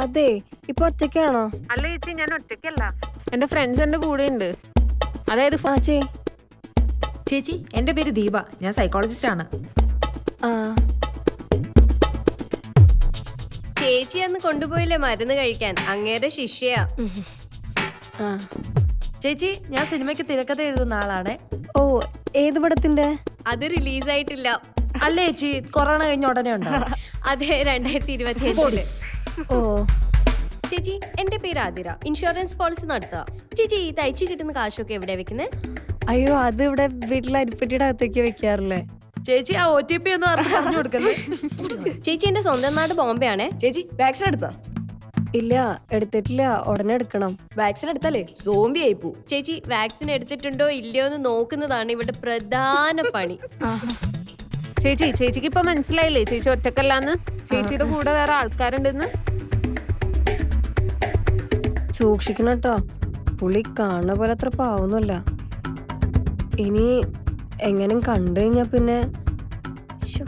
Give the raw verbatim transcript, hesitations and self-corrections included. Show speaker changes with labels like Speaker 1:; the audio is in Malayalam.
Speaker 1: അതെ ഇപ്പൊ ഒറ്റയ്ക്കാണോ?
Speaker 2: അല്ല ചേച്ചി, ഞാൻ ഒറ്റയ്ക്കല്ല, എന്റെ ഫ്രണ്ട്സ് എന്റെ കൂടെ ഉണ്ട്. അതായത്
Speaker 1: ആ ചേ
Speaker 3: ചേച്ചി, എന്റെ പേര് ദീപ, ഞാൻ സൈക്കോളജിസ്റ്റ് ആണ്.
Speaker 1: ആ
Speaker 4: ചേച്ചി അന്ന് കൊണ്ടുപോയില്ലേ മരുന്ന് കഴിക്കാൻ, അങ്ങേരെ ശിഷ്യയാ.
Speaker 1: ആ
Speaker 5: ചേച്ചി, ഞാൻ സിനിമയ്ക്ക് തിരക്കഥ എഴുതുന്ന ആളാണ്.
Speaker 1: ഓ ഏത് പടത്തിന്റെ?
Speaker 4: അത് റിലീസായിട്ടില്ല.
Speaker 5: അല്ലേ ചേച്ചി, കൊറോണ കഴിഞ്ഞ ഉടനെ ഉണ്ടോ?
Speaker 4: അതെ, രണ്ടായിരത്തി ഇരുപത്തി അഞ്ചില്.
Speaker 1: ഓ
Speaker 4: ചേച്ചി, എന്റെ പേര് ആതിര, ഇൻഷുറൻസ് പോളിസി നടത്തുക. ചേച്ചി, ഈ തയ്ച്ചു കിട്ടുന്ന കാശൊക്കെ എവിടെയാ വെക്കുന്നത്?
Speaker 1: അയ്യോ അത് ഇവിടെ വീട്ടിലെ അരിപ്പെട്ടിയുടെ അകത്തേക്ക് വെക്കാറില്ലേ.
Speaker 5: ചേച്ചി, ആ ഒ ടി പി ഒന്നും ആർക്കും പറഞ്ഞു കൊടുക്കുന്നത്.
Speaker 4: ചേച്ചി, എന്റെ സ്വന്തം നാട് ബോംബെ ആണേ.
Speaker 5: ചേച്ചി, വാക്സിൻ എടുത്തോ?
Speaker 1: ഇല്ല എടുത്തിട്ടില്ല, ഉടനെ എടുക്കണം.
Speaker 5: വാക്സിൻ എടുത്താലേ സോംബി ആയി പോ.
Speaker 4: ചേച്ചി, വാക്സിൻ എടുത്തിട്ടുണ്ടോ ഇല്ലയോ എന്ന് നോക്കുന്നതാണ് ഇവിടെ പ്രധാന പണി.
Speaker 2: ചേച്ചി ചേച്ചിക്ക് ഇപ്പൊ മനസ്സിലായില്ലേ ചേച്ചി ഒറ്റക്കല്ലാന്ന്? ചേച്ചിയുടെ കൂടെ വേറെ ആൾക്കാരുണ്ടെന്ന്.
Speaker 1: സൂക്ഷിക്കണം കേട്ടോ, പുള്ളി കാണുന്ന പോലെ അത്ര പാവൊന്നുമല്ല. ഇനി എങ്ങനെ കണ്ടു കഴിഞ്ഞാ പിന്നെ
Speaker 4: ശ്ശോ.